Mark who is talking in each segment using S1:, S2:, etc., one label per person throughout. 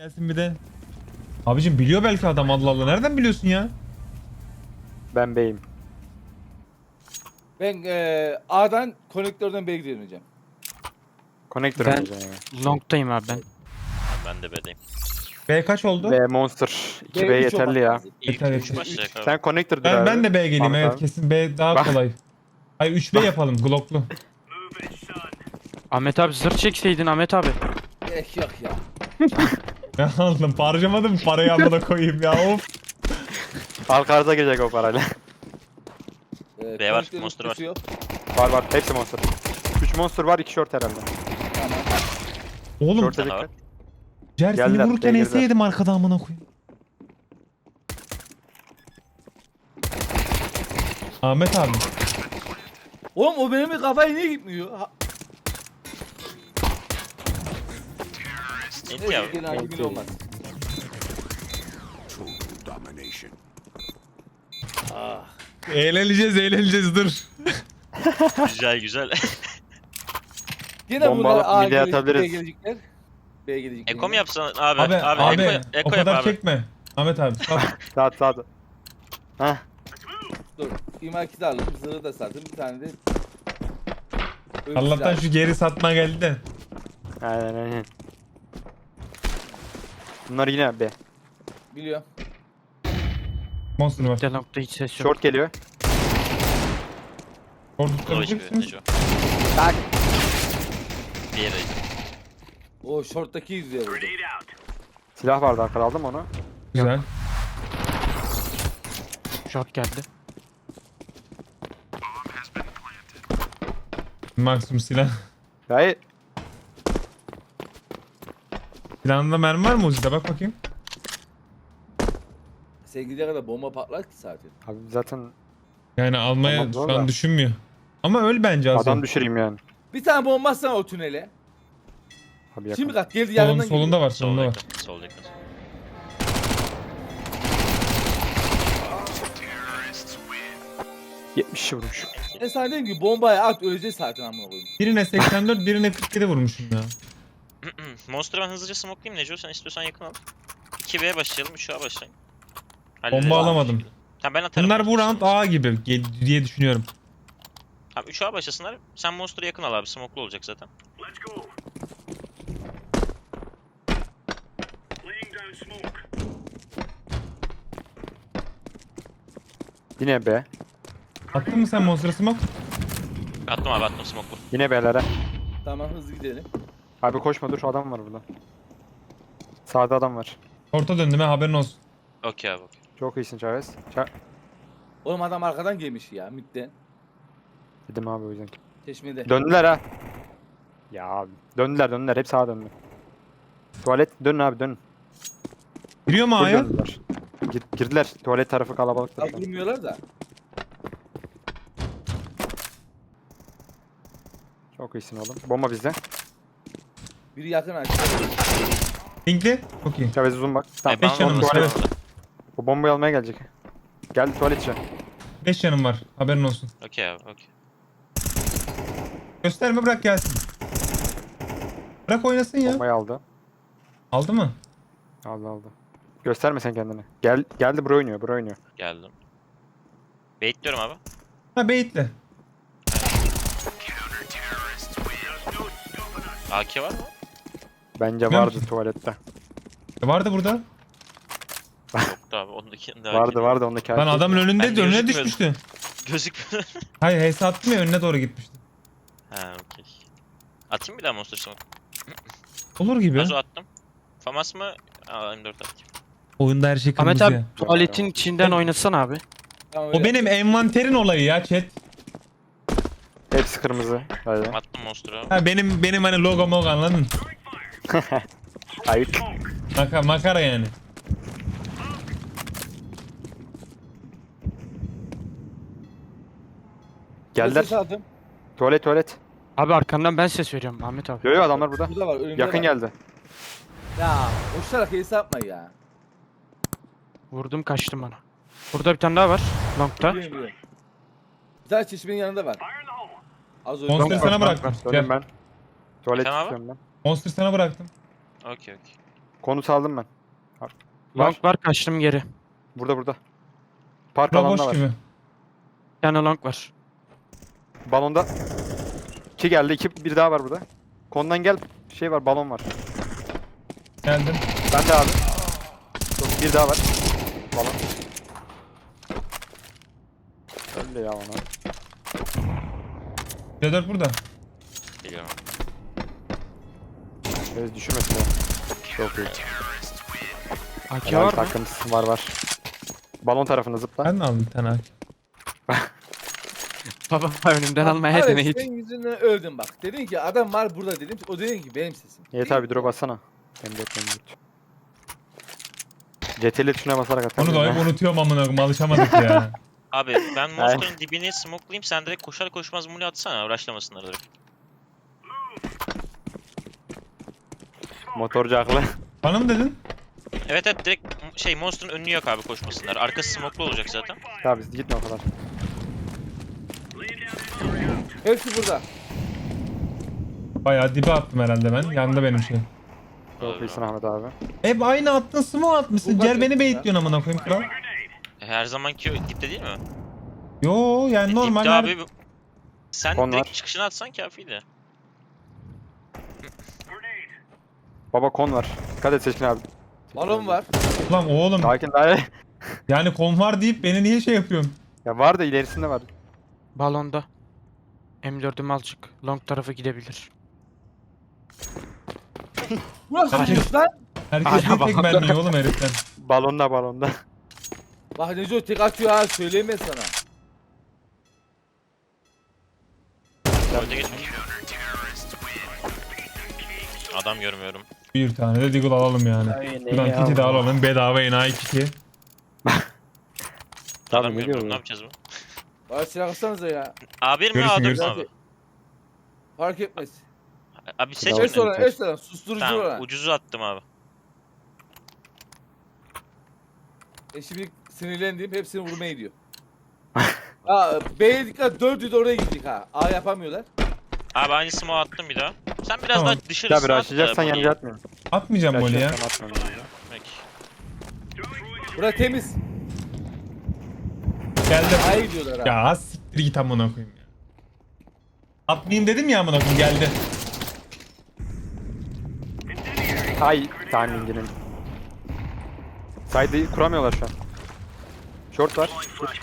S1: Gelsin bir de. Abicim biliyor belki adam, Allah Allah. Nereden biliyorsun ya?
S2: Ben beyim.
S3: Ben A'dan konektörden B'ye gidiyorum hocam.
S2: Connector
S4: Ben-
S2: oynayacağım yani.
S4: Long'tayım abi ben.
S5: Ben de B'deyim.
S1: B kaç oldu?
S2: B Monster. 2B
S3: B üç olmak
S2: yeterli ya.
S3: lazım.
S5: İlk
S1: Yeter,
S5: 3
S1: yeter.
S5: başlayacak abi.
S2: Sen Connector dur
S1: Ben,
S2: abi.
S1: ben de B geleyim,
S2: Ahmet
S1: evet
S2: abi.
S1: kesin B daha
S2: Bak.
S1: kolay. Hayır 3B yapalım Glock'lu.
S4: Ahmet abi zırh çekseydin Ahmet abi.
S3: Gerek yok ya.
S1: Ya aldım, harcamadım mı parayı, amına koyayım ya, of.
S2: Arka gelecek o parayla.
S5: B var,
S3: Konektörün
S5: monster var.
S3: kutusu yok.
S2: var. Hepsi Monster. 3 Monster var, 2 short herhalde.
S3: Tamam.
S1: Oğlum
S2: Short'a
S5: Canavar.
S2: dikkat.
S1: Jer seni
S2: Geldiler,
S1: vururken
S2: geldiler.
S1: yedim arkada, amına koyayım. Ahmet abi.
S3: Oğlum o benim kafaya niye gitmiyor? Ha,
S5: Enti abi.
S3: gene hangi biri olmaz. Ah.
S1: Eğleneceğiz dur.
S5: Güzel güzel.
S3: Gene
S2: Bomba
S3: bunlar
S2: alıp
S3: A
S2: mid'e
S3: gelecek, B
S2: atabiliriz.
S3: gelecekler. B gelecekler.
S5: Eko mu yapsan abi?
S1: Abi, abi,
S5: Eko
S1: o
S5: yap
S1: kadar
S5: abi.
S1: çekme. Ahmet abi sağ ol.
S2: Sağ. Heh.
S3: Dur. İma kiti aldım. Zırhı da sattım. Bir tane de... Ölçüsü
S1: Allah'tan
S3: aldım.
S1: şu geri satma geldi de.
S2: Aynen. Bunlar yine B.
S3: Biliyorum.
S1: Monster var.
S4: Bir de Long'da hiç ses yok.
S2: Short geliyor.
S1: Orada
S5: Low
S1: tutabilecek
S5: HP
S1: misiniz?
S5: Neco.
S2: Tak.
S5: Diğeri.
S3: O short'taki yüzüyor vurdu.
S2: Silah vardı arkada, aldım onu.
S1: Güzel.
S4: Short geldi.
S1: Maksimum silah.
S2: Hayır.
S1: Silahında mermi var mı Uzi'de? Bak bakayım.
S3: Sen gidene kadar bomba patlar ki zaten.
S2: Abi zaten
S1: Yani almaya
S2: Tamam,
S1: şu
S2: doğru
S1: an
S2: da.
S1: düşünmüyor. Ama öl bence az.
S2: adam düşüreyim yani.
S3: Bir tane bomba atsana o tünele.
S2: Abi yakın.
S3: Şimdi kat geldi
S1: Solun,
S3: yanından
S1: solunda var,
S5: Sol
S1: solunda var.
S5: yakın. Sol yakın.
S2: Abi 70 vurmuş.
S3: Ben sana dedim ki bombaya at öleceğiz zaten amına koyayım.
S1: Birine 84, birine 47 vurmuşum ya.
S5: Monster'ı ben hızlıca smoke'layayım Neco. Sen istiyorsan yakın al. 2B'ye başlayalım, 3A başlayalım.
S1: Bomba alamadım.
S5: Tamam ben atarım.
S1: Bunlar bu round A gibi diye düşünüyorum.
S5: Tamam 3A başlasınlar. Sen Monster'ı yakın al abi. Smoke'lu olacak zaten.
S2: Yine B.
S1: Attın mı sen Monster Smoke?
S5: Attım abi attım smoke'lu.
S2: Yine B'lere.
S3: Tamam hızlı gidelim.
S2: Abi koşma, dur, adam var burada. Sağda adam var.
S1: Orta döndüm ha, haberin olsun.
S5: Okey abi okey.
S2: Çok iyisin Chavez.
S3: Oğlum adam arkadan gelmiş ya midden.
S2: Dedim abi o yüzden.
S3: Çeşmede.
S2: Döndüler ha. Ya abi. Döndüler. Hep sağa döndü. Tuvalet dönün abi, dönün.
S1: Giriyor mu
S2: Full
S1: A'ya?
S2: döndüler. Girdiler. Tuvalet tarafı kalabalıktır. şu an.
S3: Kaldırmıyorlar da.
S2: Çok iyisin oğlum. Bomba bizde.
S3: Biri yakın açtı.
S1: Pinkli. Çok iyi.
S2: Chavez uzun bak. Tamam.
S1: beş
S5: Ben
S1: canım
S2: o
S1: var,
S2: tuvalet.
S1: evet.
S2: O bombayı almaya gelecek. Geldi tuvalet içi.
S1: 5 canım var. Haberin olsun.
S5: Okey abi okey.
S1: Gösterme, bırak gelsin. Bırak oynasın ya.
S2: Bombayı aldı.
S1: Aldı mı?
S2: Aldı. Gösterme sen kendini. Geldi, buraya oynuyor.
S5: Geldim. Baitliyorum abi.
S1: Ha baitle.
S5: AK var mı?
S2: Bence
S1: Bilmiyorum
S2: vardı tuvalette.
S1: Vardı burada.
S5: Yoktu abi ondaki AK
S2: Vardı ondaki.
S1: Lan adamın önünde,
S5: Ben
S1: önüne
S5: gözükmüyordum.
S1: düşmüştü.
S5: Gözükmüyor.
S1: Hayır, HS attım ya, önüne doğru gitmişti.
S5: Ha okey. Atayım bir daha Monster smoke.
S1: Olur gibi.
S5: Nazo attım. Famas mı? Aa M4 atayım.
S1: Oyunda her şey
S4: Ahmet
S1: kırmızı
S4: abi
S1: ya.
S4: tuvaletin içinden oynasana abi.
S3: Tamam,
S1: O
S3: öyle.
S1: benim envanterin olayı ya chat.
S2: Hepsi kırmızı. Hadi.
S5: Attım Monster'ı abi.
S1: Ha benim hani logo mogo, anladın?
S2: Ayıp.
S1: Makara yani.
S2: Geldiler.
S3: Ses aldım.
S2: Tuvalet.
S4: Abi arkandan ben ses veriyorum Ahmet abi.
S2: Yo adamlar burada.
S3: Burada var önümde
S2: Yakın
S3: var.
S2: geldi.
S3: Ya koşarak hesap yapma ya.
S4: Vurdum kaçtım ona. Burada bir tane daha var. Long'da.
S3: Biliyorum. Bir tane çeşmenin yanında var. Az önce.
S1: Monster
S4: Bak,
S1: sana
S4: bak,
S1: bıraktım.
S2: Dönün
S1: Gel.
S2: ben. Tuvalet
S5: Efendim abi?
S2: istiyorum ben.
S1: Monster sana bıraktım.
S5: Okey okey.
S2: Konut aldım ben. Var.
S4: Long var kaçtım geri.
S2: Burada. Park
S1: Bura
S2: alanında
S1: boş
S2: var.
S1: gibi.
S4: Bir tane long var.
S2: Balonda 2 geldi. 2 bir daha var burada. Kondan gel. Şey var, balon var.
S1: Geldim.
S2: Ben de abi. Yok, bir daha var. Balon. Öyle ya ona.
S1: C4 burada.
S5: Geliyorum.
S2: Biraz düşürmesin ya. Çok iyi.
S4: AK
S2: Helal
S4: var mı?
S2: takımız var. Balon tarafına zıpla.
S1: Ben de aldım bir tane AK.
S4: Baba önümden almaya
S3: Abi
S4: deneyi.
S3: senin yüzünden öldüm bak. Dedin ki adam var burada dedim. O dedin ki benim sesim.
S2: Yeter abi drop atsana. M4. CTRL tuşuna basarak atar.
S1: Onu da hep unutuyorum amına koyayım, alışamadık ya.
S5: Abi ben monster'ın dibine smoke'layayım, sen direkt koşar koşmaz muli atsana, uğraşlamasınlar direkt.
S2: Motorcu aklı.
S5: Hani
S1: Bana mı dedin?
S5: Evet evet, direkt şey monster'ın önünü yok abi, koşmasınlar. Arkası smoke'lu olacak zaten.
S2: Tamam biz gitme o kadar.
S3: Hepsi burada.
S1: Bayağı dibe attım herhalde ben. Yanında benim şey.
S2: Çok iyisin Ahmet abi.
S1: Hep aynı attın, smoke atmışsın.
S3: Bu
S1: Gel
S3: kaç
S1: beni
S3: yaşında?
S1: baitliyorsun amına koyayım kral.
S5: Her zamanki dipte değil mi?
S1: Yo yani normal.
S5: Dipte abi sen
S2: Kon
S5: direkt
S2: var.
S5: çıkışını atsan kafiydi.
S2: Baba kon var. Dikkat et Seçkin abi.
S3: Balon var.
S1: Lan oğlum
S2: Sakin daha.
S1: yani kon var deyip beni niye şey yapıyorsun?
S2: Ya var da ilerisinde var.
S4: Balonda. M4'üm al çık. Long tarafı gidebilir.
S3: Burası
S4: Hayır.
S3: boş lan.
S1: Herkes
S4: Hala
S1: bir tek
S4: bak.
S1: mermi oğlum heriften.
S2: Balonda.
S3: Bak Neco tek atıyor ha söyleyeyim ben sana.
S5: Öte geçmiş. Adam görmüyorum.
S1: Bir tane de Deagle alalım yani. Buradan kiti de alalım. Bedava enayi kiti.
S2: Tabii,
S5: Adam
S2: ne
S5: görmüyorum,
S2: diyor
S5: ne
S2: bu?
S5: yapacağız bu?
S3: Bana silah atsanıza ya.
S5: A1 mi
S1: Görürsün,
S5: A4 mü
S1: görürsün.
S5: abi?
S3: Fark etmez.
S5: Abi seç
S2: Tamam.
S5: mi?
S3: Restoran susturucu
S5: Tamam,
S3: olan.
S5: ucuzu attım abi.
S3: Şimdi sinirlendiğim hepsini vurmaya gidiyor. Aa, B'ye dikkat 4'ü de oraya gittik ha. A yapamıyorlar.
S5: Abi aynı smoke attım bir daha. Sen biraz
S1: Tamam.
S5: daha dışarısına
S2: Ya bir
S5: at da
S2: açacaksan
S5: Bonnie'yi.
S2: yanıcı atmıyorum.
S1: Atmayacağım Molly ya.
S2: Açacaksan atmıyorum.
S5: Peki.
S3: Bura temiz.
S1: Geldim.
S3: A'ya gidiyorlar ha.
S1: Ya siktir git amına koyayım ya. Atmayayım dedim ya amına koyayım, geldi.
S2: Ay timinginin. Side'ı kuramıyorlar şu an. Short var. Gir.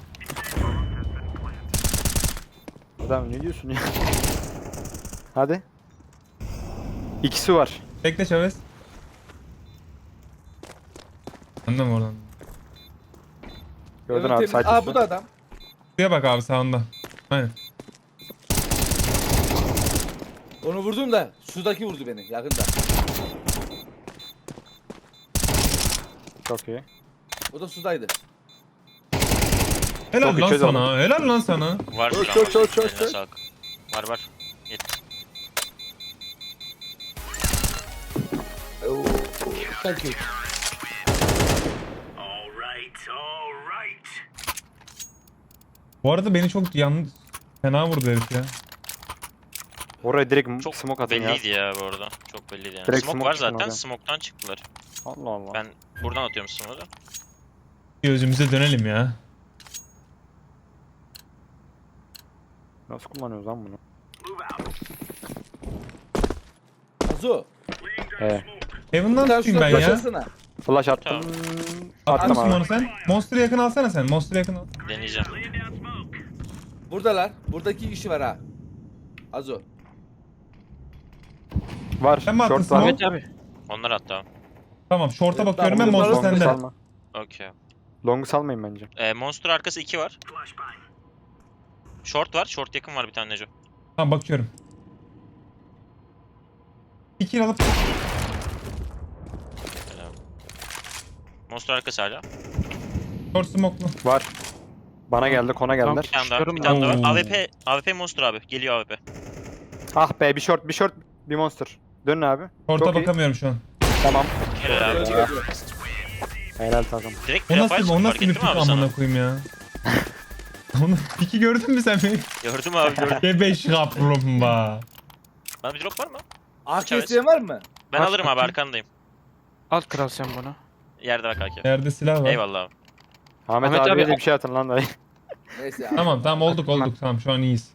S2: Adam ne diyorsun ya? Hadi. İkisi var.
S1: Bekle Chavez. Anladın mı oradan?
S2: Gördün
S3: Evet,
S2: abi
S3: temiz.
S2: side
S3: Aa
S2: üstü.
S3: bu da adam.
S1: Şuraya bak abi sağında. Aynen.
S3: Onu vurdum da sudaki vurdu beni yakında.
S2: Çok iyi.
S3: O da sudaydı.
S1: Helal
S2: Çok
S1: lan
S2: içeri
S1: sana. Helal lan sana.
S5: Var
S2: Çok,
S5: şu an,
S2: çok,
S5: var.
S2: çok,
S5: Eline
S2: çok.
S5: sağlık. Var. Yet.
S3: Thank you.
S1: Bu arada beni çok yalnız fena vurdu herif ya.
S2: Oraya direkt
S5: Çok
S2: smoke atın ya.
S5: belliydi ya bu arada. Çok belliydi yani.
S2: Direkt
S5: Smoke
S2: smoke
S5: var
S2: çıkın
S5: zaten.
S2: oradan.
S5: Smoke'tan çıktılar.
S2: Allah Allah.
S5: Ben buradan atıyorum smoke'u da.
S1: Gözümüze dönelim ya.
S2: Nasıl kullanıyoruz lan bunu?
S3: Azu.
S1: Heaven'dan
S3: Bir tane
S1: tutayım ben
S3: şuradan
S1: ya.
S3: başlasana.
S2: Flash attım.
S5: Tamam.
S1: Attın
S2: Attım
S1: mı
S2: abi.
S1: onu sen? Monster'ı yakın alsana sen. Monster'ı yakın al.
S5: Deneyeceğim.
S3: Buradalar. Burada 2 kişi var ha. Azu.
S2: Var.
S1: Sen mi attın
S2: Short var.
S1: smoke?
S4: Evet abi.
S5: Onlar hatta.
S1: Tamam short'a
S3: Evet,
S1: bakıyorum ben,
S3: tamam,
S1: monster
S3: Monster
S2: Long'u
S1: sende.
S2: salma.
S5: Okey.
S2: Long'u salmayın bence.
S5: Monster arkası 2 var. Short var. Short yakın var bir tane Neco.
S1: Tamam bakıyorum. 2 alıp
S5: Monster arkası hala.
S1: short smoke'lu.
S2: Var. Bana geldi, kona
S4: Tamam.
S2: geldiler.
S5: Bir tane daha.
S4: Çıkıyorum
S5: Bir tane daha var.
S1: Oo.
S5: AWP Monster abi. Geliyor AWP.
S2: Ah be, bir short, bir monster. Dönün abi.
S1: Short'a
S2: Çok iyi.
S1: bakamıyorum şu an.
S2: Tamam.
S5: Helal abi.
S3: Öldü, öldü.
S2: Helal takım.
S5: Direkt
S1: O
S5: prefire
S1: nasıl,
S5: çıktı,
S1: o
S5: fark
S1: nasıl bir
S5: ettin
S1: pik
S5: mi abi sana?
S1: amına koyayım ya. Onu piki gördün mü sen beni?
S5: Gördüm abi gördüm.
S1: Gebeş kaplumbağa.
S5: Bana bir drop var mı?
S3: AK isteyen var mı?
S5: Ben
S2: Aç
S5: alırım abi,
S2: bakayım.
S5: arkandayım.
S4: Al kral sen bunu.
S5: Yerde bak Akif.
S1: Yerde silah var.
S5: Eyvallah abi.
S2: Ahmet,
S4: Ahmet
S2: abiye
S4: abi-
S2: de bir şey atın lan dayı.
S3: Neyse.
S1: Tamam olduk tamam şu an iyiyiz.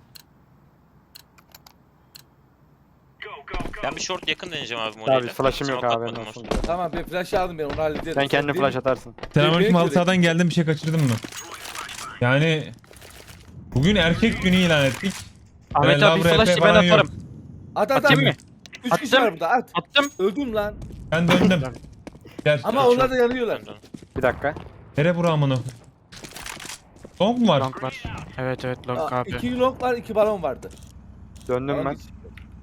S5: Ben bir short yakın deneyeceğim abi
S2: Abi
S5: modeyle.
S2: flash'ım yok
S5: Smoke
S2: abi.
S5: atmadım
S2: Nasıl?
S5: Monster'a.
S3: Tamam ben flash aldım ben onu hallederim.
S2: Sen kendin flash atarsın.
S1: Selamünaleyküm
S3: Beni
S1: halı sahadan geldim bir şey kaçırdın mı? Yani bugün erkek günü ilan ettik.
S4: Ahmet abi bir
S1: Lavra
S4: flash
S1: EP
S4: ben
S1: falan yok.
S4: atarım.
S3: At at
S4: Atayım
S3: at.
S4: mı?
S3: 3 kişi
S4: Attım.
S3: var burada at.
S4: Attım.
S3: Öldüm lan.
S1: Ben döndüm. Gel.
S3: Ama onlar da yanıyorlar.
S5: Dön, dön.
S2: Bir dakika.
S1: Nere bura amına? Long mu var?
S4: Long var. Evet long abi.
S3: 2 long var 2 balon vardı.
S2: Döndüm
S3: Balon
S2: ben.
S3: için.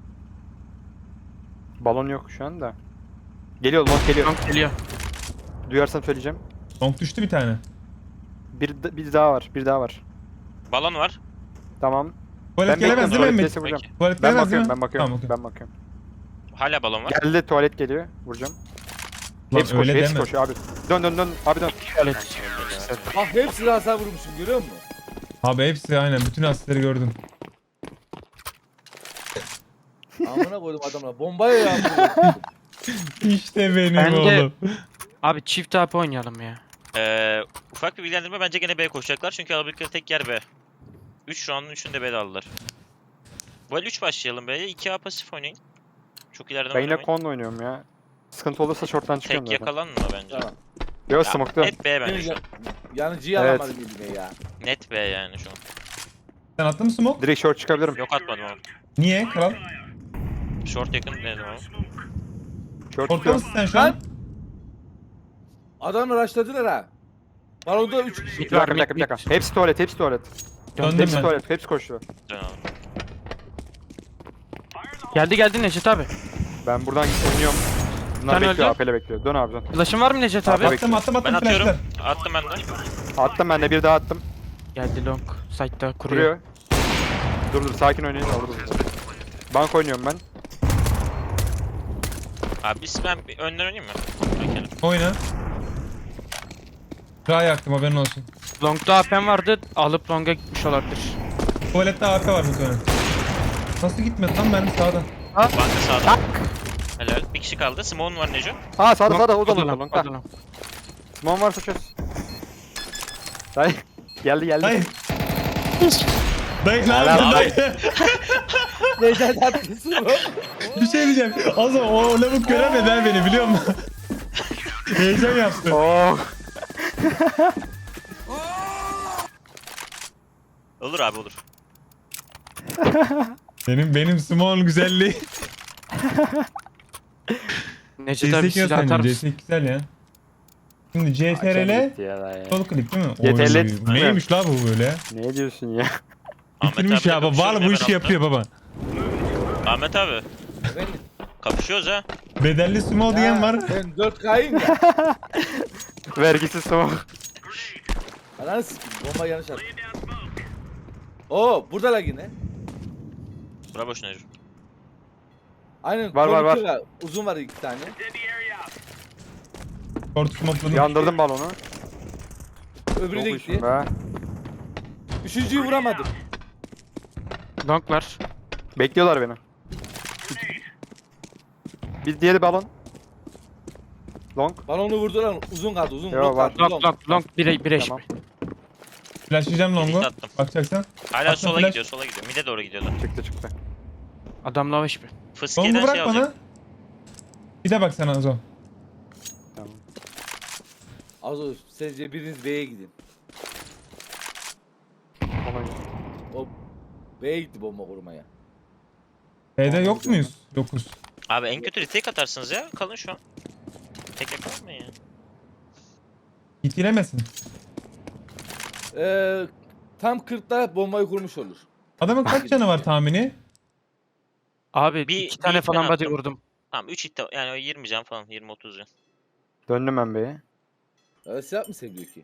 S2: Balon yok şu anda. Geliyor, long geliyor.
S4: Long geliyor.
S2: Duyarsam söyleyeceğim.
S1: Long düştü bir tane.
S2: Bir daha var. Bir daha var.
S5: Balon var.
S2: Tamam.
S1: Tuvalet gelemez
S2: bekliyorum,
S1: değil mi Emre?
S2: tuvaletteyse vuracağım.
S5: Peki.
S1: Tuvalet
S2: Ben
S1: gelemez değil
S2: bakıyorum,
S1: mi?
S2: ben bakıyorum.
S1: Tamam, okey.
S2: Ben bakıyorum.
S5: Hala balon var.
S2: Geldi, tuvalet geliyor. Vuracağım.
S1: Lan
S2: Hepsi koşuyor,
S1: öyle
S2: hepsi
S1: deme.
S2: koşuyor abi. Dön abi dön.
S4: Evet.
S3: Bak hepsini hasar vurmuşum görüyor musun?
S1: Abi hepsi aynen bütün asistleri gördüm.
S3: Amına koydum adamla. Bombaya yağmur.
S1: İşte benim
S4: Ben de-
S1: oğlum.
S4: Abi çift AP oynayalım ya.
S5: Ufak bir bilgilendirme bence gene B koşacaklar çünkü alabildiği tek yer B. 3 round'un 3'ünü de B'de aldılar. Bu el 3 başlayalım B'ye. 2A pasif oynayın. Çok ileriden
S2: Ben yine
S5: oynamayın.
S2: konla oynuyorum ya. Sıkıntı olursa short'tan çıkıyorum
S5: Tek
S2: zaten.
S5: yakalanma bence.
S3: Tamam.
S2: Yok
S5: Ya,
S2: smoke'ta.
S5: Net B bence şu an.
S3: Yanıcıyı
S2: Evet.
S3: alamadım eline ya.
S5: Net B yani şu an.
S1: Sen attın mı smoke?
S2: Direkt short çıkabilirim.
S5: Yok atmadım ama.
S1: Niye kral?
S5: Short yakın dedim ama.
S2: Short
S1: Orta
S2: çıkıyor.
S1: mısın sen şu an?
S3: Adamı rushladılar ha. Balonda 3 kişi.
S2: Bir dakika, bir dakika. Hepsi tuvalet, hepsi tuvalet.
S1: Döndüm
S2: Hepsi
S1: ben.
S2: tuvalet, hepsi koşuyor.
S5: Dön abi.
S4: Geldi Necdet abi.
S2: Ben buradan oynuyorum. Bunlar
S4: Sen
S2: bekliyor,
S4: öldün.
S2: AP'le bekliyor. Dön abi dön.
S4: Flash'ın var mı Necdet abi?
S2: Abi.
S1: Attım
S5: Ben atıyorum.
S1: flashlar.
S5: Attım ben de.
S2: Attım ben de, bir daha attım.
S4: Geldi long. Site'da kuruyor.
S2: Kuruyor. Dur sakin oynayın. Orada dur. Bank oynuyorum ben.
S5: Abi ben bir önden oynayayım mı? Bakayım.
S1: Oyna. Daha yaktım haberin olsun.
S4: Long'da AP'm vardı. Alıp long'a gitmiş olabilir.
S1: Tuvalette AK var bir tane. Nasıl gitmedi lan benim sağdan?
S5: Banka sağda. Helal. Bir kişi kaldı. Simon var Neco.
S2: Ha sağda
S4: Long,
S2: sağda, o da
S4: long,
S2: long.
S4: long,
S2: Ha.
S4: long.
S2: Simon varsa çöz. Dayı. Geldi.
S1: Dayı. Dayı ne
S2: Helal
S1: yapıyorsun
S2: abi.
S1: dayı?
S3: Necdet atmışsın o.
S1: Bir şey diyeceğim. Az o lavuk göremedi ha beni biliyor musun? Heyecan yaptı.
S2: Oh.
S5: Olur abi olur.
S1: Benim small güzelliği.
S4: Necdet abi
S1: CS2
S4: silah atar
S1: göstereyim.
S4: mısın?
S1: CS2 güzel ya. Şimdi CTRL sol klik değil mi?
S2: CTRL
S1: Oy, neymiş la bu böyle?
S2: Ne diyorsun ya?
S1: Bitirmiş ya baba. Val bu işi yapıyor baba.
S5: Ahmet abi.
S3: Efendim?
S5: Kapışıyoruz ha.
S1: Bedelli small diyen var.
S3: Ben 4K'yim ya.
S2: Vergisiz smoke.
S3: Ananı sikeyim. Bomba yanlış attı. Oo buradalar yine.
S5: Bravo Neco.
S3: Aynen.
S2: Var, var, var.
S3: konuşuyorlar. Uzun var 2 tane.
S1: Short smoke'ladım.
S2: Yandırdım balonu.
S3: Öbürü
S2: Çok
S3: de
S2: iyisin
S3: gitti.
S2: be.
S3: Üçüncüyü vuramadım.
S4: Long var.
S2: Bekliyorlar beni. Bir diğeri balon. Long.
S3: Balonu vurdular. Uzun kaldı. Uzun.
S2: Yo,
S3: long
S2: var.
S3: kaldı.
S4: Long 1'e
S2: Tamam.
S1: Flashlayacağım
S5: Link
S1: longu.
S5: attım.
S1: Bakacaksan.
S5: Hala
S1: Attım
S5: sola
S1: flash.
S5: gidiyor, sola gidiyor. Mid'e doğru gidiyorlar.
S2: Çıktı.
S4: Adam lava HP.
S1: Longu
S5: Fıskiye'den
S1: bırak
S5: şey
S1: bana.
S5: alacak.
S1: Bir de bak sana Azo.
S2: Tamam.
S3: Az o. Sizce biriniz B'ye gidin.
S2: Ona-
S3: O B'ye gitti bomba kurmaya.
S1: B'de yok muyuz? Yokuz.
S5: Abi en kötü retake atarsınız ya. Kalın şu an. Tek yakalanmayın ya.
S1: İtilemesin.
S3: Tam 40'ta bombayı kurmuş olur.
S1: Adamın kaç canı var tahmini?
S4: Abi
S5: Bir-
S4: 2 tane
S5: bir
S4: falan
S5: ben
S4: body
S5: attım.
S4: vurdum.
S5: Tamam 3 hit yani o 20 can falan 20-30 can.
S2: Döndüm ben B'ye.
S3: Silah mı seviyor ki?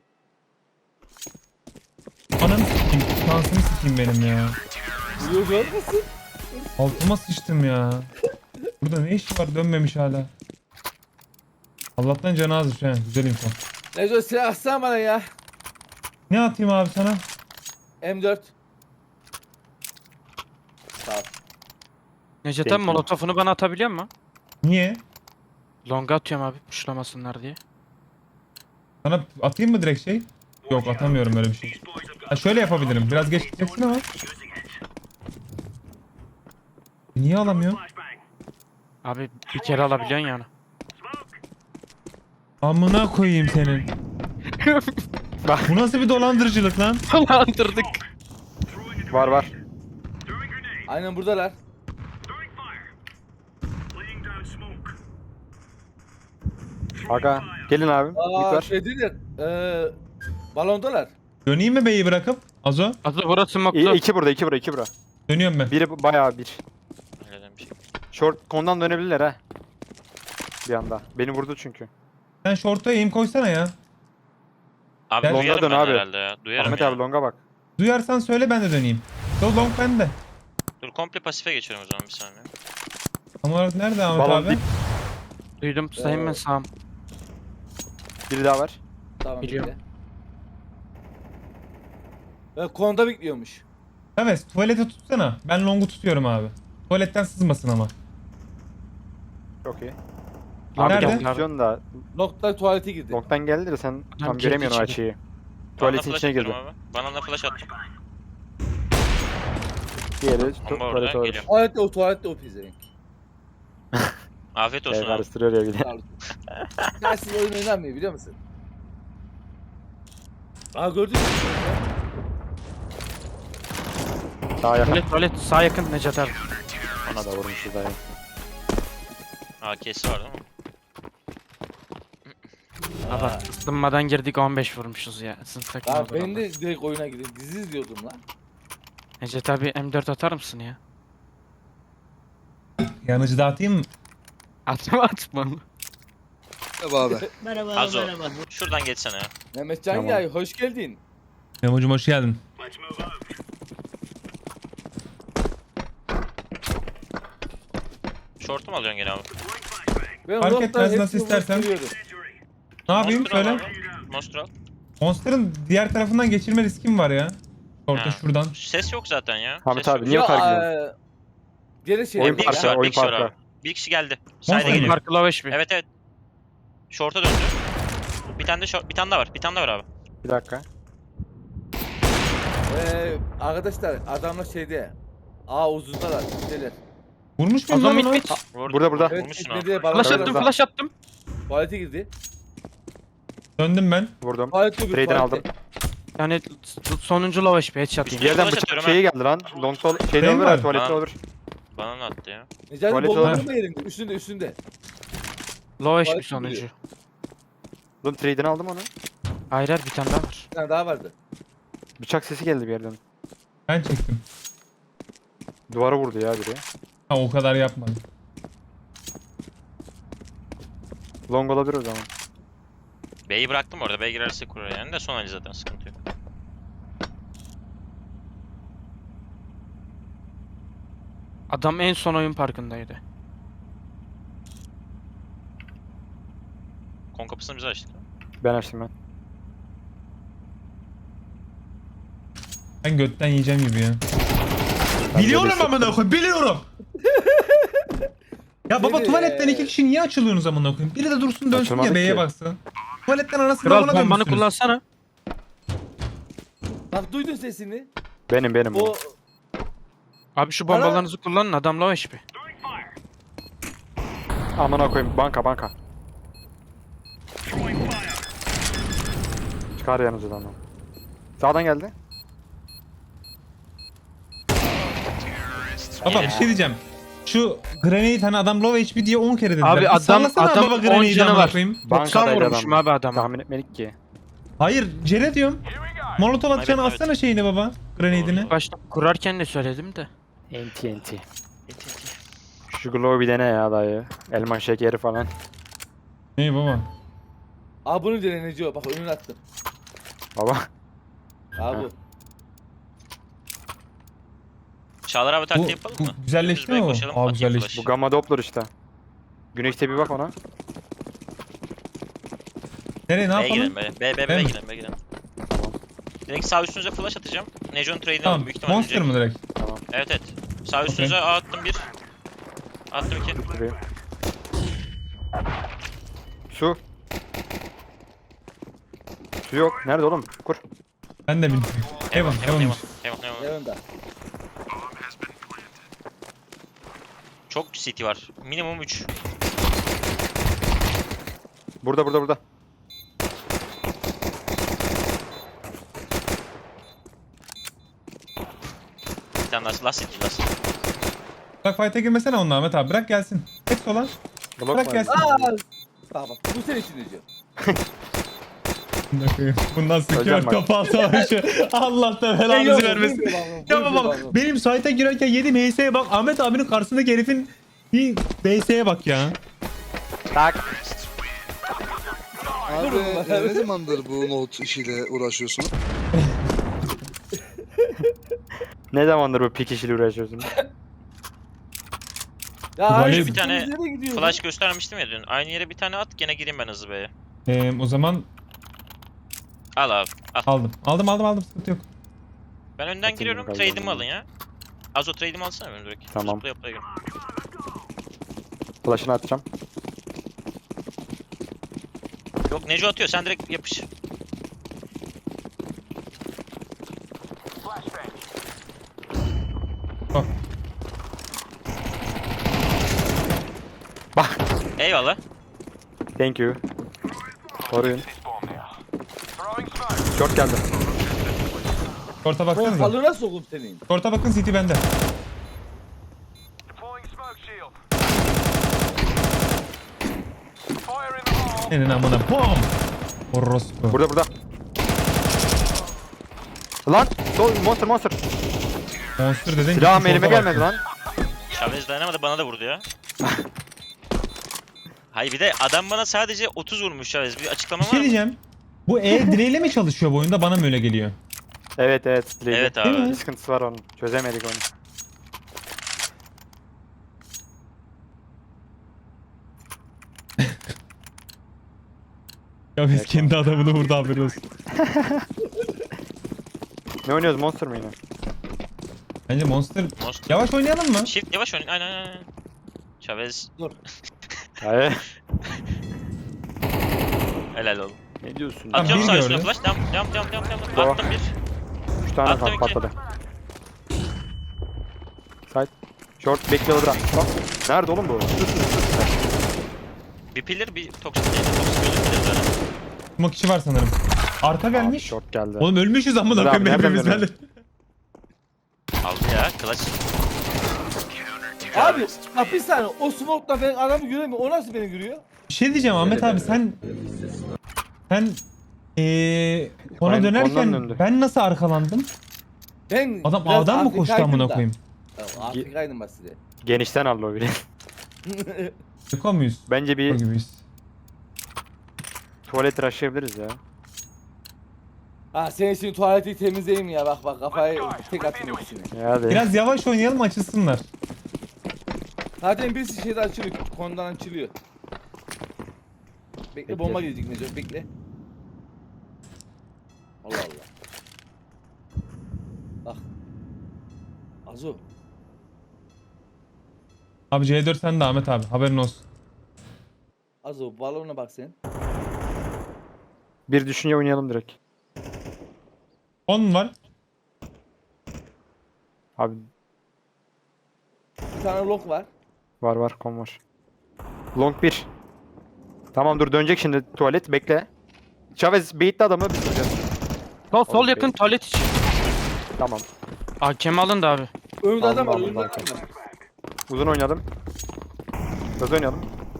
S1: Ananı sikeyim. Şansımı sikeyim benim ya.
S3: Duyuyor görmesin.
S1: Altıma sıçtım ya. Burada ne işi var dönmemiş hala. Allah'tan canı azmış he. Güzel info.
S3: Neco silah atsana bana ya.
S1: Ne atayım abi sana?
S3: M4. Sağ ol.
S4: Necdet
S2: Thank
S4: abi
S2: you.
S4: molotofunu bana atabiliyor mu?
S1: Niye?
S4: Longa atıyorum abi puşlamasınlar diye.
S1: Sana atayım mı direkt şey? Yok atamıyorum öyle bir şey. Ha şöyle yapabilirim. Biraz geç gideceksin ama. Niye alamıyorum?
S4: Abi bir kere alabiliyorsun yani.
S1: Amına koyayım senin. Bu nasıl bir dolandırıcılık lan?
S4: Dolandırdık.
S2: Var.
S3: Aynen buradalar.
S2: Aga gelin abi. Git
S3: Aa
S2: ver.
S3: şey değil ya. Balondalar.
S1: Döneyim mi beyi bırakıp? Azo.
S4: Azı burası moklu.
S2: İki burada.
S1: Dönüyorum ben.
S2: Biri bayağı bir.
S5: Öyle demiş.
S2: Short kondan dönebilirler ha. Bir anda. Beni vurdu çünkü.
S1: Sen short'a aim koysana ya.
S5: Abi
S1: Longa
S5: duyarım
S2: dön
S5: ben
S2: abi.
S5: herhalde ya. Duyarım
S2: Ahmet
S5: ya.
S2: abi longa bak.
S1: Duyarsan söyle ben de döneyim. So long bende.
S5: Dur komple pasife geçiyorum o zaman bir saniye.
S1: Tam olarak nerede Ahmet
S2: Balon
S1: abi?
S2: dip.
S4: Duydum sayayım ben sağım.
S2: Biri daha var.
S3: Tamam
S4: Biliyorum.
S3: bekle. Konda bekliyormuş.
S1: Evet tuvalete tutsana. Ben long'u tutuyorum abi. Tuvaletten sızmasın ama.
S2: Çok iyi.
S4: Abi
S1: Nerede?
S4: gel abi.
S2: Tutuyorsun da
S3: Nokta tuvalete girdi.
S2: long'dan geldi de sen tam
S4: girdi
S2: göremiyorsun o
S4: içeri.
S2: açıyı.
S5: Bana
S2: Tuvaletin
S5: flash
S2: içine girdi.
S5: atıyorum abi. Bana flash attım.
S2: Diğeri
S5: Bomba
S2: tuvalete
S5: oradan
S2: olur.
S5: geliyor.
S3: Tuvalette o pezevenk.
S5: Afiyet olsun
S2: Şey
S5: abi.
S2: karıştırıyor ya bir de.
S3: Tersiz oyun oynanmıyor biliyor musun? Aa gördün mü?
S2: Daha yakın.
S4: Tuvalet sağ yakın Necat abi.
S2: Ona da vurmuşuz daha.
S5: AK'si var değil mi?
S4: Abi ısınmadan girdik 15 vurmuşuz ya. Sınıf
S3: Ya
S4: takımı
S3: ben de direkt oyuna girdim. Dizi izliyordum lan.
S4: Necat abi M4 atar mısın ya?
S1: Yanıcı dağıtayım mı?
S4: Atma.
S5: Azo. Şuradan geçsene ya.
S3: Mehmetcan
S2: Tamam.
S3: ya hoş geldin.
S1: Memo'cum hoş geldin.
S5: Short'u mu alıyorsun gene abi?
S3: Ben
S1: Fark
S3: nokta
S1: etmez,
S3: hepsini
S1: nasıl istersen.
S3: vuruyorum.
S1: Ne yapayım
S5: Monster al
S1: söyle.
S5: abi. Monster al.
S1: Monster'ın diğer tarafından geçirme riskim var ya. Orta
S5: Ha.
S1: şuradan.
S5: Ses yok zaten ya.
S2: Ahmet
S5: Ses
S2: abi
S5: yok.
S2: niye
S3: Ya,
S2: o kadar gidiyorsun?
S3: Geri şey.
S2: Oyun
S5: Bir
S2: parkı,
S5: kişi var,
S2: oyun
S5: bir kişi var
S2: parkı.
S5: abi. Bir kişi geldi.
S1: Monster
S5: Side'e
S1: mi?
S5: geliyor.
S4: Markı low HP.
S5: Evet evet. Short'a döndü. Bir tane de short, bir tane daha var. Bir tane daha var abi.
S2: Bir dakika.
S3: Arkadaşlar adamlar şeyde. Aa uzundalar. Şeyler.
S1: Vurmuş muyum
S4: Azam
S1: lan onu?
S4: mit.
S5: Vurdu,
S2: Burada.
S3: Evet
S5: Vurmuşsun abi.
S3: gitmedi.
S4: Flash
S2: Evet,
S4: attım
S2: evet.
S4: flash attım.
S3: Tuvalete girdi.
S1: Döndüm ben.
S2: Vurdum.
S3: Tuvalete girdi.
S2: Trade'den aldım.
S4: Yani sonuncu low HP headshot
S2: Bir
S4: yiyeyim.
S2: yerden
S5: Flash
S2: bıçak
S5: atıyorum
S2: şeyi geldi lan. Long sol şeyde
S1: Benim
S2: olur
S1: var.
S2: ya tuvalette
S5: Ha.
S2: olur.
S5: Bana ne attı ya?
S3: Necati
S2: Tuvalete
S3: bomba
S1: var.
S3: vurma yerinde. Üstünde.
S4: Low HP
S3: Tuvalet
S4: sonuncu.
S3: giriyor.
S2: Oğlum trade'den aldım onu.
S4: Hayır hayır bir tane daha var.
S3: Bir tane daha vardı.
S2: Bıçak sesi geldi bir yerden.
S1: Ben çektim.
S2: Duvara vurdu ya biri.
S1: Ha o kadar yapmadım.
S2: Long olabilir o zaman.
S5: B'yi bıraktım orada. B girerse kurar yani de son hali zaten sıkıntı yok.
S4: Adam en son oyun parkındaydı.
S5: Kon kapısını bize açtık.
S2: Ben açtım ben.
S1: Ben götten yiyeceğim gibi ya.
S2: Ben
S1: Biliyorum
S2: böyle
S1: amına koyayım biliyorum. Ya baba
S3: Seni,
S1: tuvaletten iki kişi niye açılıyorsunuz amına koyayım? Biri de dursun dönsün
S2: Açılmadık
S1: ya B'ye
S2: ki.
S1: baksın. Tuvaletten anasını
S4: Kral
S1: babana
S4: bombanı
S1: dönmüşsünüz.
S4: kullansana.
S3: Bak duydun sesini.
S2: Benim.
S3: O
S4: Abi şu bombalarınızı kullanın adam low HP.
S2: Amına koyayım banka. Çıkar yanınızdan lan. Sağdan geldi.
S1: Baba bir şey diyeceğim. Şu grenade hani adam low HP diye 10 kere dediler.
S4: Abi
S1: Bir
S4: adam-
S1: sallasana
S4: adam
S1: baba
S4: 10
S1: grenade'i
S4: canı
S1: amına
S4: var.
S1: koyayım.
S4: 90
S2: Bankadaydı
S4: vurmuşum
S2: adam.
S4: abi adama.
S2: Tahmin etmedik ki.
S1: Hayır Cere diyorum. Molotov atacağını
S5: Evet.
S1: atsana şeyini baba. Grenade'ini.
S4: Başta kurarken de söyledim de.
S2: NT. Şu glow bir dene ya dayı. Elma şekeri falan.
S1: İyi baba.
S3: Aa bunu deneyeceğim. Bak önüne attım.
S2: Baba.
S3: Aa
S2: Ha.
S3: bu.
S5: Çağlar abi
S1: Bu,
S5: taktiği yapalım
S1: bu
S5: mı?
S1: güzelleşti mi
S5: Dümdüz
S1: o?
S5: B'ye koşalım,
S1: Aa
S5: atayım
S1: güzelleşti.
S5: flash.
S2: Bu gamma doppler işte. Güneşte bir bak ona.
S1: Nereye ne
S5: B'ye
S1: yapalım?
S5: girelim B.
S1: B
S5: B'ye
S1: mi?
S5: girelim. B'ye girelim. Direkt sağ üstünüze flash atacağım. Nejon trade'ini
S1: Tamam.
S5: alın büyük ihtimalle.
S1: Monster mı direkt?
S5: Evet evet. Sağ üstünüze A attım 1. Attım 2.
S2: Tabii. Su. Su yok. Nerede oğlum? Kur.
S1: Ben de bilmiyorum. Heaven, Heaven'mış.
S3: Yanında.
S5: Çok city var. Minimum 3.
S2: Burada.
S5: Bir tane daha. Last city last.
S1: Bak fight'e girmesene onunla Ahmet abi. Bırak gelsin. Tek sola.
S2: Blok
S1: Bırak
S2: var.
S1: gelsin.
S3: Bak bu senin için diyeceğim.
S1: Bundan sıkıyor
S2: Hocam bak.
S1: kapağı savaşı. Allah da belanızı vermesin. Ya bak benim site'a girerken yedim HS'ye bak. Ahmet abinin karşısındaki herifin bir BS'ye bak ya.
S2: Tak.
S6: Abi ne zamandır bu note işiyle uğraşıyorsun?
S2: Ne zamandır bu pik işiyle uğraşıyorsun?
S3: Ya
S1: Vali-
S3: hayır,
S5: Bir tane
S3: nereye gidiyor?
S5: Flash göstermiştim ya dün. Aynı yere bir tane at gene gireyim ben hızlı B'ye.
S1: O zaman
S5: Al abi. Al.
S1: aldım sıkıntı yok.
S5: Ben önden
S2: Atayım
S5: giriyorum.
S2: bakalım.
S5: Trade'imi alın ya. Azo trade'imi alsana benim direkt.
S2: Tamam.
S5: Zıplaya gir.
S2: Flash'ını atacağım.
S5: Yok Neco atıyor sen direkt yapış.
S1: Bak.
S2: Bak.
S5: Eyvallah.
S2: Thank you. Koruyun. Short geldi.
S1: Short'a
S3: Oğlum
S1: baksanıza.
S3: kalına sokup senin.
S1: Short'a bakın City bende. Senin amına bom. Orospu.
S2: Burada. Lan! Monster.
S1: Monster dedin.
S2: Silahım
S1: gitmiş
S2: elime
S1: short'a
S2: gelmedi
S1: baktın.
S2: lan.
S5: Chavez dayanamadı bana da vurdu ya. Hayır bir de adam bana sadece 30 vurmuş Chavez. Bir açıklama
S1: Bir
S5: var
S1: şey
S5: mı?
S1: diyeceğim. Bu direğiyle mi çalışıyor bu oyunda? Bana mı öyle geliyor?
S2: Evet. Değil.
S5: Evet
S1: Değil
S5: abi.
S1: mi?
S2: Bir sıkıntısı var onun. Çözemedik onu.
S1: Ya biz
S2: Evet,
S1: kendi adamını vurdu haberi olsun.
S2: Ne oynuyoruz? Monster mı yine?
S1: Bence Monster...
S5: Monster.
S1: Yavaş oynayalım mı?
S5: Shift yavaş oynayın. Aynen. Chavez
S2: Hayır.
S5: helal olsun.
S2: Ne diyorsun?
S1: Abi,
S5: Atıyorum
S1: bir
S5: sağ üstüne
S1: gördü.
S5: flash. Devam.
S2: Bravo.
S5: Attım bir.
S2: 3 tane
S5: Attım
S2: kalk
S5: iki.
S2: patladı. Side. Short bekliyor bırak. Bak. Nerede oğlum bu?
S5: Bir pillar bir toksik değil. Toksik gözüküyor zaten.
S1: Smoke kişi var sanırım. Arka
S2: Abi,
S1: gelmiş.
S2: short geldi.
S1: Oğlum ölmüşüz amına
S2: Abi,
S1: koyayım
S2: nereden
S1: hepimiz. Ben de...
S5: Aldı ya. Clutch.
S3: Abi bak bir saniye o smoke'la ben adamı göremiyorum. O nasıl beni görüyor?
S1: Bir şey diyeceğim Ahmet abi sen ona
S2: Ondan
S1: dönerken
S2: döndü.
S1: ben nasıl arkalandım?
S3: Ben
S1: Adam
S3: biraz
S1: A'dan mı koştu
S3: Afrika'ydım
S1: amına
S3: da.
S1: koyayım?
S3: Ya, Afrika'ydım ben size.
S2: Genişten aldı o biri.
S1: Yıko muyuz?
S2: Bence
S1: Yıko
S2: bir
S1: gibiyiz.
S2: tuvalet rushlayabiliriz ya.
S3: Ha senin için tuvaleti temizleyeyim ya bak kafayı tek atayım hepsini.
S2: Ya hadi.
S1: Biraz yavaş oynayalım açılsınlar.
S3: Zaten birisi şeyde açılıyor. Konudan açılıyor. Bekle
S2: Bekle.
S3: bomba gelecek Necip bekle. Allah Allah. Bak. Azo.
S1: Abi C4 sen de Ahmet abi haberin olsun.
S3: Azo balona bak sen.
S2: Bir düşünce oynayalım direkt.
S1: 10 var.
S2: Abi
S3: Bir tane lock var.
S2: var kom var. Long 1. Tamam dur dönecek şimdi tuvalet bekle. Chavez baitli adamı biz vuracağız.
S4: Sol
S2: Oğlum,
S4: yakın tuvalet içi.
S2: Tamam.
S4: AKM alındı abi.
S3: Önünde adam var
S2: Allah
S3: önünde
S2: Allah.
S3: adam var.
S2: Uzun oynadım. Hızlı oynayalım.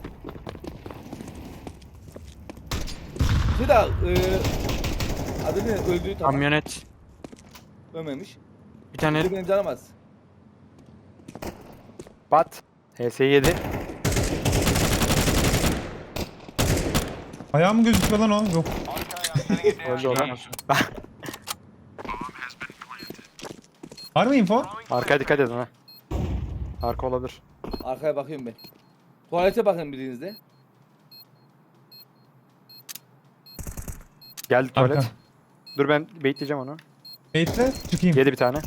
S3: Bir daha adı ne öldüğü tamam.
S4: Kamyonet.
S3: Ölmemiş.
S4: Bir tane
S3: Bir de benim canım az.
S2: Bat. HS7.
S1: Ayağım gözüküyor lan o. Yok.
S2: Öldü olan.
S1: Var mı info?
S2: Arkaya dikkat edin ha. Arka olabilir.
S3: Arkaya bakıyorum ben. Tuvalete bakın birinizde.
S2: Geldi
S1: Arka.
S2: tuvalet. Dur ben baitleyeceğim onu.
S1: Bekle çıkayım.
S2: Yedi bir tane.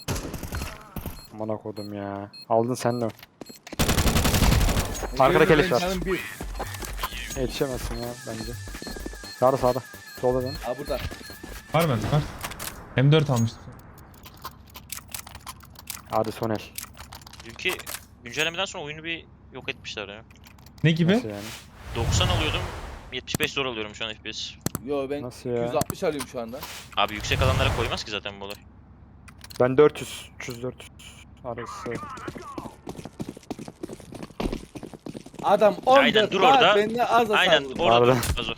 S2: Aman kodum ya. Aldın sen de. Arkada
S3: Benim
S2: keleş var.
S3: canım bir.
S2: Yetişemezsin ya bence. Sağda sağda. Solda dön.
S3: Ha burada.
S1: Var mı? Var. M4 almıştım.
S2: Hadi son el.
S5: Dünkü güncellemeden sonra oyunu bir yok etmişler ya.
S1: Ne gibi?
S2: Nasıl yani?
S5: 90 alıyordum. 75 zor alıyorum şu an FPS.
S3: Yo ben
S2: Nasıl ya?
S3: 260 alıyorum şu anda.
S5: Abi yüksek alanlara koymaz ki zaten bu olay.
S2: Ben 400. 300 arası.
S3: Adam 14
S5: Aynen, dur
S3: saat
S5: orada.
S3: benden az hasar
S5: Aynen
S3: vurdu.
S5: orada
S2: Pardon.
S5: dur. Az o.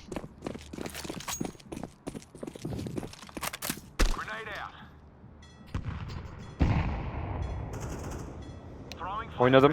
S2: Oynadım.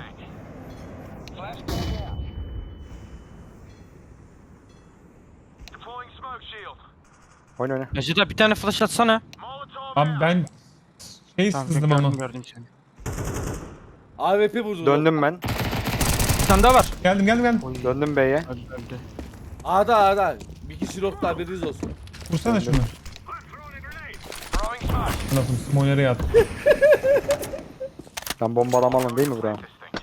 S2: Oyna oyna.
S4: Hacı da bir tane flash atsana.
S1: Abi ben şey
S4: Tamam,
S1: sızdım ama.
S4: gördüm seni.
S3: AWP vurdu.
S2: Döndüm ben.
S4: Bir tane daha var.
S1: Geldim.
S2: Döndüm B'ye.
S4: Öldü.
S3: A'da. Bir kişi nokta haberiniz olsun.
S1: Vursana şunu. Lafım smoke nereye attı?
S2: Ben bombalamalım değil mi buraya?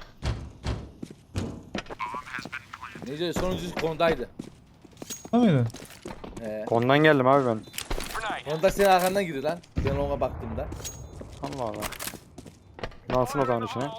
S3: Nece sonuncusu kondaydı.
S1: Tamam mıydı?
S2: Kondan geldim abi ben.
S3: Konda senin arkandan girdi lan. Ben ona baktığımda.
S2: Allah Allah. Lansın o zaman içine.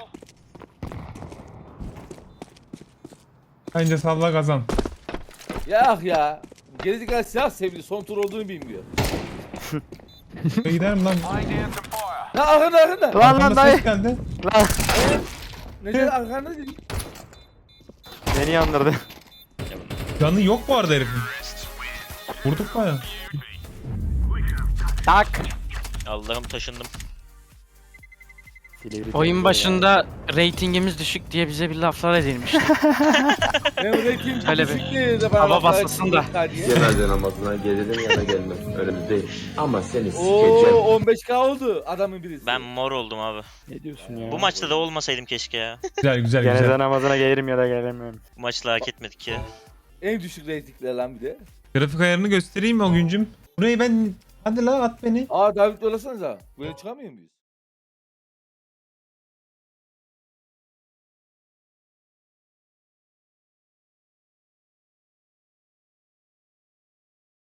S1: Bence salla kazan.
S3: Ya. Gerizekalı silah sevdi. Son tur olduğunu bilmiyor.
S1: Giderim lan.
S3: Ya arkanda.
S2: Lan lan
S1: Arkamda
S2: dayı.
S1: ses geldi.
S3: Nece arkanda dedi.
S2: Beni yandırdı.
S1: Canı yok bu arada herifin. Vurduk baya.
S2: Tak.
S5: Allah'ım taşındım.
S4: Oyun başında ratingimiz düşük diye bize bir laflar edilmişti.
S3: Ben rating
S4: Öyle
S3: düşük
S4: bir
S3: diye de bana
S4: hava
S3: laflar
S4: basılsın da.
S3: ettiler diye.
S7: Cenaze namazına gelirim ya da gelmem. Önemli değil. Ama seni
S3: Oo
S7: sikeceğim.
S3: 15k oldu adamın birisi.
S5: Ben mor oldum abi.
S2: Ne diyorsun ya?
S5: Bu maçta da olmasaydım keşke ya.
S1: Güzel.
S2: Cenaze namazına gelirim ya da gelemiyorum.
S5: Bu maçla hak etmedik ya.
S3: En düşük ratingler lan bir de.
S1: Grafik ayarını göstereyim mi o güncüm? Burayı ben... Hadi la at beni.
S3: Aa David yollasanıza. Böyle çıkamıyor muyuz?